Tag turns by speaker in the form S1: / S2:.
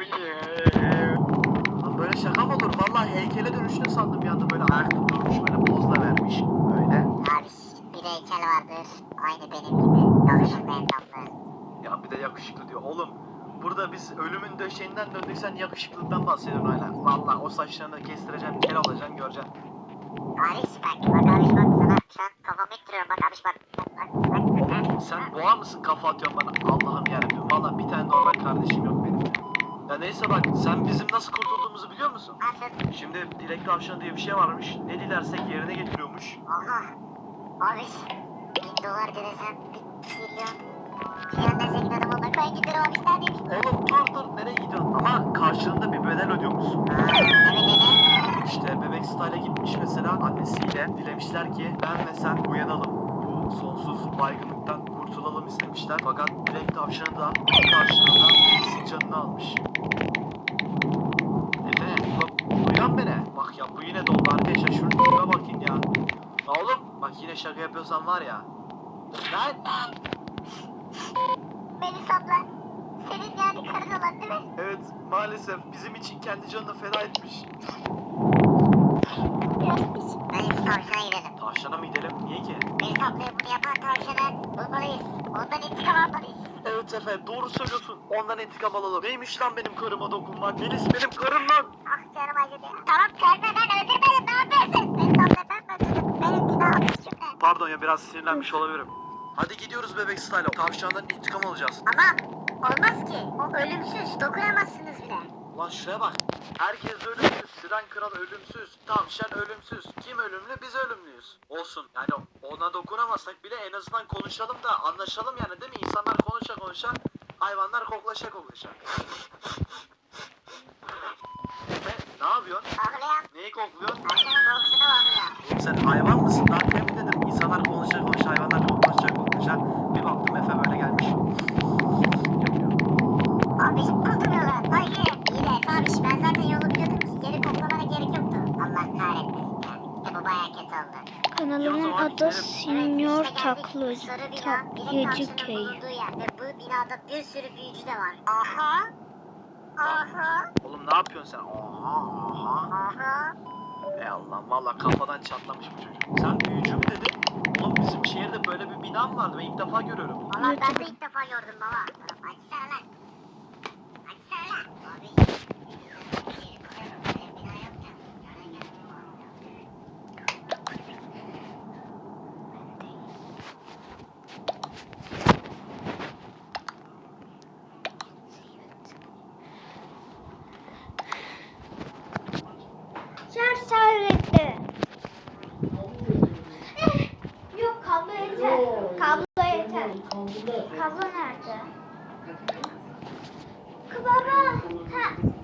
S1: Lan böyle şaka mı olur? Vallahi heykele dönüştü sandım bir anda, böyle ayakta durmuş, böyle pozla vermiş. Böyle.
S2: Abi bir heykel vardır. Aynı benim gibi. Yakışıklı endamlı.
S1: Ya bir de yakışıklı diyor. Oğlum burada biz ölümün döşeğinden döndük, sen yakışıklılıktan bahsediyorsun hala. Vallahi o saçlarını kestireceğim, kel olacaksın, göreceksin.
S2: Abi bak abi bak sana şu an kafamı ittiriyorum bak abi bak.
S1: Oğlum sen boğa mısın, kafa atıyorsun bana? Allah'ım yarabbim. Vallahi bir tane normal kardeşim yok benim. Ya neyse bak, sen bizim nasıl kurtulduğumuzu biliyor musun?
S2: Nasıl?
S1: Şimdi dilek tavşanı diye bir şey varmış. Ne dilersek yerine getiriyormuş.
S2: Aha. Abi $1000 desem 1 trilyon. Trilyon desek giderim onunla koy giderim abi sen demiş.
S1: Oğlum dur nereye gidiyorsun? Ama karşılığında bir bedel ödüyormuşsun.
S2: Evet.
S1: İşte bebek Style'a gitmiş mesela annesiyle. Dilemişler ki ben ve sen uyanalım. Bu sonsuz baygınlıktan kurtulalım istemişler. Fakat dilek tavşanı da bu karşılığında birisinin canını almış. Efe bak, uyan beni. Bak ya bu yine doldu arkadaşlar, şunun tipe bakın ya. Ya oğlum bak, yine şaka yapıyorsan var ya. Lan.
S2: Melis abla. Senin yani karın olan değil mi?
S1: Evet maalesef bizim için kendi canını feda etmiş.
S2: Melis tavşana gidelim.
S1: Tavşana mı gidelim? Niye ki?
S2: Melis ablaya bunu yapan tavşana bulmalıyız. Ondan intikam almalıyız.
S1: Evet Efe doğru söylüyorsun. Ondan intikam alalım. Neymiş lan benim karıma dokunmak? Melis benim karım lan.
S2: Ah canım acıdı ya. Tamam karnı ben öldürmedim ne yapıyorsun? Melis abla ben mi öldürdüm? Benim günahım üstümde.
S1: Pardon ya, biraz sinirlenmiş olabilirim. Hadi gidiyoruz bebek Style'a. Tavşandan intikam alacağız.
S2: Ama olmaz ki. O ölümsüz. Dokunamazsınız bile.
S1: Lan şuraya bak. Herkes ölümsüz. Siren Kral ölümsüz. Tavşan ölümsüz. Kim ölümlü? Biz ölümlüyüz. Olsun. Yani ona dokunamazsak bile en azından konuşalım da anlaşalım yani, değil mi? İnsanlar konuşa hayvanlar koklaşa. Ne yapıyorsun?
S2: Ağlayan.
S1: Neyi kokluyorsun?
S2: Tavşanın kokusuna bakıyor.
S1: Oğlum sen hayvan mısın? Daha demin dedim insanlar konuşa hayvanlar koklaşa. Bir baktım Efe böyle gelmiş. Yapıyor.
S2: Abi buldum yolu. Hayır. İyi de Efe abi ben zaten yolu biliyordum ki geri koklamana gerek yoktu. Allah kahretmesin ya. İşte bu bayağı kötü oldu.
S3: Kanalımın adı Senior
S2: Taklacı
S3: Köy.
S2: bulunduğu yer ve bu binada bir sürü büyücü de var. Aha. Aha.
S1: Oğlum ne yapıyorsun sen? Aha.
S2: Aha.
S1: Ey Allah'ım, valla kafadan çatlamış bu çocuk. Sen büyücü mü dedin? Oğlum bizim şehirde böyle bir bina mı vardı? Ben ilk defa görüyorum.
S2: Valla ben de ilk defa gördüm baba. Açsana lan. Açsana lan. Abi. Bina yok ya.
S3: Şarj öğretti. Yok kablo yeter. Kablo yeter. Kablo nerede? Baba. Ha.